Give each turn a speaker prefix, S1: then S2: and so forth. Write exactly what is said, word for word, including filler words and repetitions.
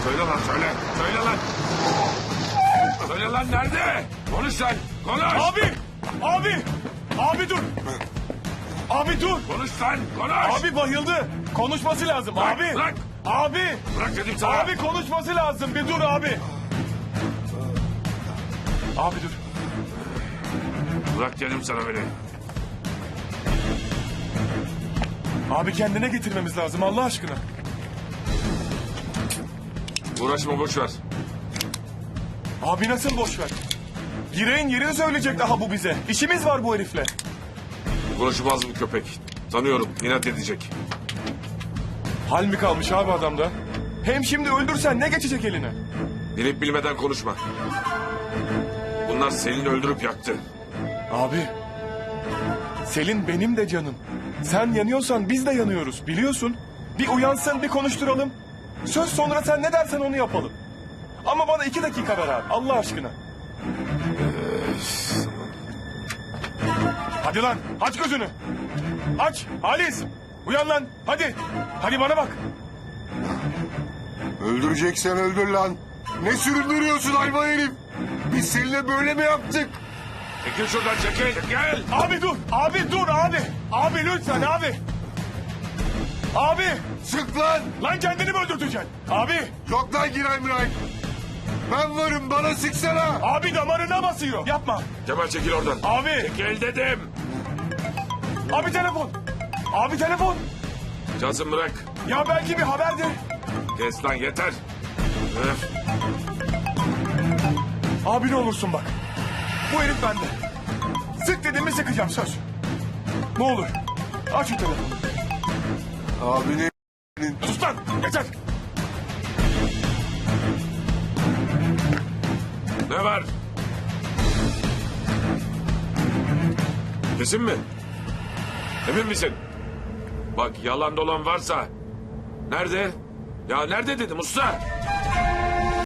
S1: Söyle lan söyle. Söyle lan. Söyle lan nerede? Konuş lan. Konuş.
S2: Abi! Abi! Abi dur! Abi dur!
S1: Konuş lan. Konuş.
S2: Abi bayıldı. Konuşması lazım
S1: Bırak,
S2: abi.
S1: bırak.
S2: Abi!
S1: Bırak dedim sana.
S2: Abi konuşması lazım. Bir dur abi. Abi dur.
S1: Bırak dedim sana beni.
S2: Abi kendine getirmemiz lazım Allah aşkına.
S1: Uğraşma boş ver.
S2: Abi nasıl boş ver? Gireğin yerini söyleyecek daha bu bize. İşimiz var bu herifle.
S1: Konuşmaz bu köpek. Tanıyorum. İnat edecek.
S2: Hal mi kalmış abi adamda? Hem şimdi öldürsen ne geçecek eline?
S1: Bilip bilmeden konuşma. Bunlar Selin'i öldürüp yaktı.
S2: Abi. Selin benim de canım. Sen yanıyorsan biz de yanıyoruz biliyorsun. Bir uyansın bir konuşturalım. Söz sonra sen ne dersen onu yapalım. Ama bana iki dakika ver abi Allah aşkına. Hadi lan aç gözünü. Aç Halis. Uyan lan hadi. Hadi bana bak.
S3: Öldüreceksen öldür lan. Ne süründürüyorsun hayvan herif? Biz seninle böyle mi yaptık?
S1: Çekil şuradan çekil. Çekil.
S2: Abi dur. Abi dur abi. Abi lütfen abi. Abi.
S3: Sık lan.
S2: Lan kendini mi öldürteceksin? Abi.
S3: Yok lan Giray Miray. Ben varım bana sıksana.
S2: Abi damarına basıyor. Yapma.
S1: Kemal çekil oradan.
S2: Abi.
S1: Çekil dedim.
S2: Abi telefon. Abi telefon.
S1: Cansın bırak.
S2: Ya belki bir haberdir.
S1: Kes lan yeter. Öf.
S2: Abi ne olursun bak. Bu herif bende. Sık dediğimi sıkacağım söz. Ne olur. Aç şu telefonu.
S3: Abinin
S2: Sus lan. Yeter.
S1: Ne var? Kesin mi? Emin misin? Bak yalan dolan varsa. Nerede? Ya nerede dedim usta?